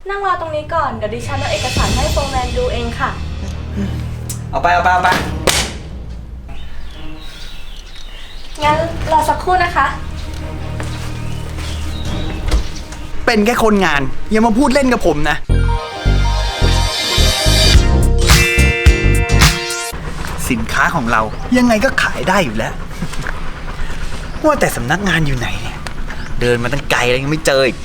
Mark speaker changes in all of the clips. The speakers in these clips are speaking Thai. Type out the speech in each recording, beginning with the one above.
Speaker 1: นั่งรอตรงนี้ก่อนเดี๋ยวดิฉันเอาเอกสารให้โฟร์แมนดูเองค่ะ
Speaker 2: เอาไป
Speaker 1: งั้นรอสักครู่นะคะ
Speaker 2: เป็นแค่คนงานอย่ามาพูดเล่นกับผมนะสินค้าของเรายังไงก็ขายได้อยู่แล้วว่าแต่สำนักงานอยู่ไหนเนี่ยเดินมาตั้งไกลแล้วยังไม่เจออีก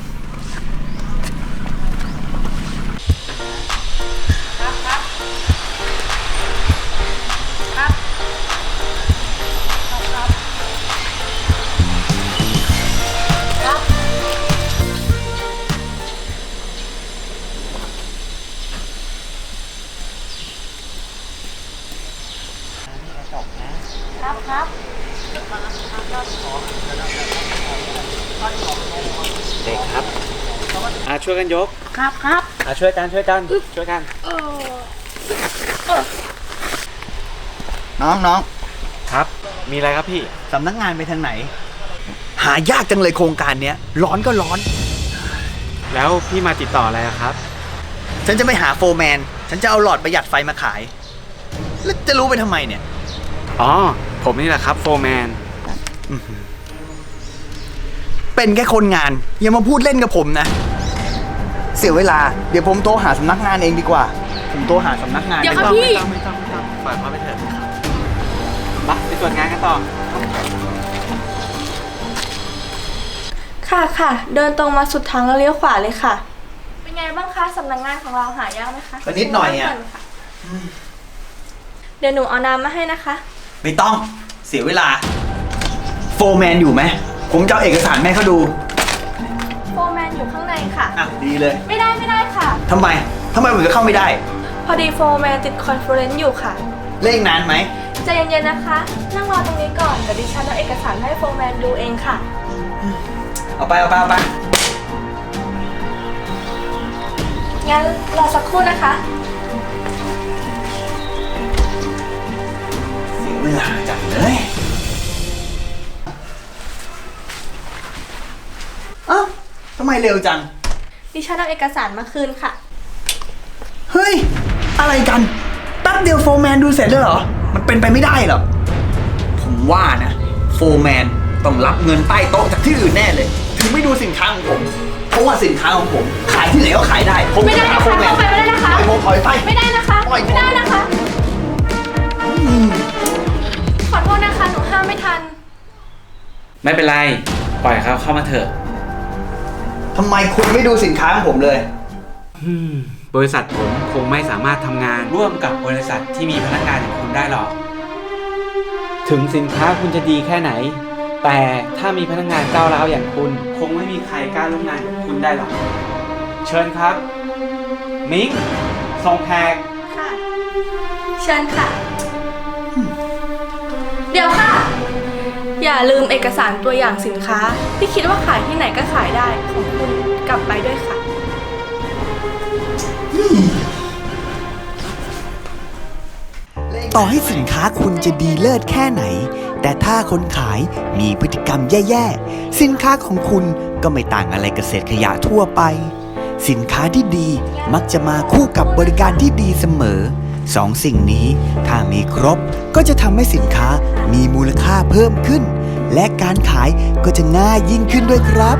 Speaker 1: ครับ
Speaker 3: เด็กครับช่วยกันยก
Speaker 1: ครับ
Speaker 3: ช่วยกัน
Speaker 2: น้อง
Speaker 3: ครับมีอะไรครับพี่
Speaker 2: สำนักงานไปทางไหนหายากจังเลยโครงการเนี้ยร้อนก็ร้อน
Speaker 3: แล้วพี่มาติดต่ออะไรครับ
Speaker 2: ฉันจะไม่หาโฟร์แมนฉันจะเอาหลอดประหยัดไฟมาขายแล้วจะรู้ไปทำไมเนี่ย
Speaker 3: อ๋อผมนี่แหละครับโฟร์แมน
Speaker 2: เป็นแค่คนงานอย่ามาพูดเล่นกับผมนะเสียเวลาเดี๋ยวผมโทรหาสำนักงานเองดีกว่าผมโทรหาสำนักงาน
Speaker 1: เดี๋ยวครับพี่
Speaker 3: ไม่ต้องปล่อยเขาไปเถอะไปตรวจงานกันต่อ
Speaker 1: ค่ะเดินตรงมาสุดทางแล้วเลี้ยวขวาเลยค่ะเป็นไงบ้างคะสำนักงานของเราหายากไหมคะ
Speaker 2: ก็นิดหน่อยอ่ะ
Speaker 1: เดี๋ยวหนูเอาน้ำมาให้นะคะ
Speaker 2: ไม่ต้องเสียเวลาโฟร์แมนอยู่ไหมผมจะเอาเอกสารแม่เขาดู
Speaker 1: โฟร์แมนอยู่ข้างในค่ะ
Speaker 2: อ่ะดีเลย
Speaker 1: ไม่ได้ค่ะ
Speaker 2: ทำไมผมจะเข้าไม่ได้
Speaker 1: พอดีโฟร์แมนติดคอนเฟอเรนซ์อยู่ค่ะ
Speaker 2: เล่นนานไหม
Speaker 1: ใจเย็นๆนะคะนั่งรอตรงนี้ก่อนเดี๋ยวดิฉันเอาเอกสารให้โฟร์แมนดูเองค่ะ
Speaker 2: เอาไป
Speaker 1: งั้นรอสักครู่นะคะ
Speaker 2: เสียเวลาจังเลยเอ้าทำไมเร็วจัง
Speaker 1: ดิฉันเอาเอกสารมาคืนค่ะ
Speaker 2: เฮ้ยอะไรกันแป๊บเดียวโฟร์แมนดูเสร็จเลยเหรอมันเป็นไปไม่ได้หรอกผมว่านะโฟร์แมนต้องรับเงินใต้โต๊ะจากที่อื่นแน่เลยถึงไม่ดูสินค้าของผมเพราะว่าสินค้าของผมขายที่ไหนก็ขายได้ผม
Speaker 1: ไม่ได้นะคะเข้าไปไม่ได้นะคะ
Speaker 2: ถอยไป
Speaker 1: ไม่ได้นะคะไม่ได้นะคะขอโทษนะคะหนูห้ามไม่ทัน
Speaker 3: ไม่เป็นไรปล่อยเขาเข้ามาเถอะ
Speaker 2: ทำไมคุณไม่ดูสินค้าของผมเลย
Speaker 3: บริษัทผมคงไม่สามารถทำงานร่วมกับบริษัทที่มีพนักงานอย่างคุณได้หรอกถึงสินค้าคุณจะดีแค่ไหนแต่ถ้ามีพนักงานก้าวร้าวอย่างคุณคงไม่มีใครกล้าร่วมงานกับคุณได้หรอกเชิญครับมิ้งส่งแขก
Speaker 1: ค่ะเชิญค่ะเดี๋ยวค่ะอย่าลืมเอกสารตัวอย่างสินค้าที่คิดว่าขายที่ไหนก็ขายได้ของคุณกลับไปด้วยค่ะ
Speaker 4: ต่อให้สินค้าคุณจะดีเลิศแค่ไหนแต่ถ้าคนขายมีพฤติกรรมแย่ๆสินค้าของคุณก็ไม่ต่างอะไรกับเศษขยะทั่วไปสินค้าที่ดีมักจะมาคู่กับบริการที่ดีเสมอสองสิ่งนี้ถ้ามีครบก็จะทำให้สินค้ามีมูลค่าเพิ่มขึ้นและการขายก็จะง่ายยิ่งขึ้นด้วยครับ